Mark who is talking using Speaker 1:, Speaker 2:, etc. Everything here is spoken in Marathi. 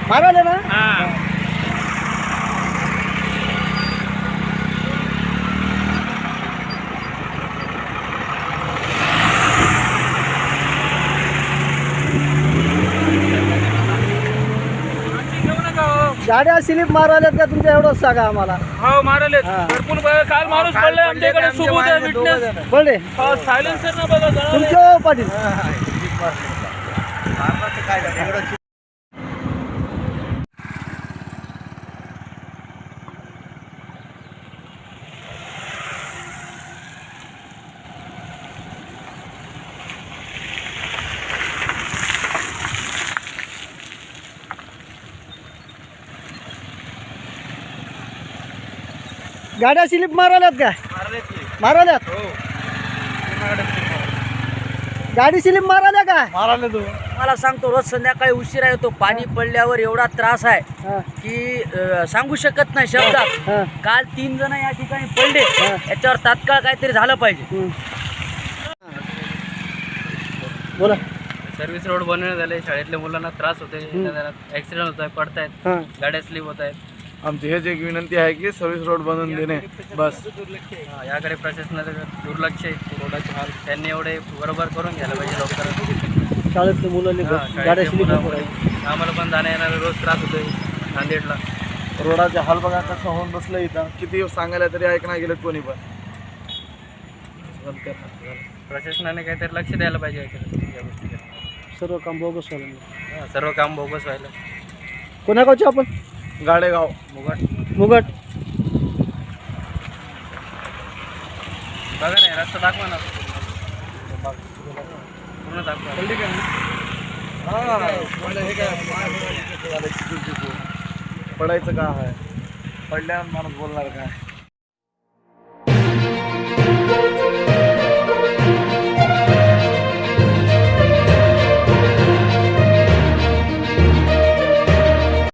Speaker 1: मारायला ना गाड्या स्लिप मारायल्यात का तुमच्या एवढंच सांगा आम्हाला.
Speaker 2: हो मारले भरपूर काल माणूस पडले आमच्याकडे सोबत आहे विटनेस
Speaker 1: पडले
Speaker 2: सायलेन्सर ना बघा
Speaker 1: तुमच्या पाटील. गाड्या स्लिप मारायल्यात का मारायल्यात गाडी स्लिप मारायला का
Speaker 2: मारायला तू
Speaker 3: मला सांगतो रोज संध्याकाळी उशिरा येतो पाणी पडल्यावर एवढा त्रास आहे की सांगू शकत नाही शब्दात. काल 3 जण या ठिकाणी पडले याच्यावर तात्काळ काहीतरी झालं पाहिजे.
Speaker 1: बोला.
Speaker 2: सर्व्हिस रोड बनवण्यात झाले शाळेतल्या मुलांना त्रास होते ऍक्सिडेंट होत आहे पडतायत गाड्या स्लिप होत आहेत.
Speaker 4: आमची हेच एक विनंती आहे की सर्व्हिस रोड बनवून देणे बस.
Speaker 2: याकडे प्रशासनाचं दुर्लक्ष आहे रोडाचे हाल त्यांनी एवढे बरोबर करून घ्यायला पाहिजे लवकर.
Speaker 1: शाळेतल्या मुलांनी गाड्या स्लिप
Speaker 2: आम्हाला पण जाण्या येणारा रोज त्रास होतोय नांदेडला.
Speaker 4: रोडाचे हाल बघा कसं होऊन बसलं इथं. किती सांगायला तरी ऐकणार गेलं कोणी पण.
Speaker 2: प्रशासनाने काहीतरी लक्ष द्यायला पाहिजे या गोष्टीकडे.
Speaker 1: सर्व काम बोगस व्हायला.
Speaker 2: सर्व काम बोगस व्हायला.
Speaker 1: कोणा गावचे आपण
Speaker 4: गाडेगाव
Speaker 2: मुगट
Speaker 1: मुगट.
Speaker 2: बघा ना रस्ता दाखवा ना पूर्ण दाखवा.
Speaker 4: पडायचं का आहे पडल्यावर माणूस बोलणार काय.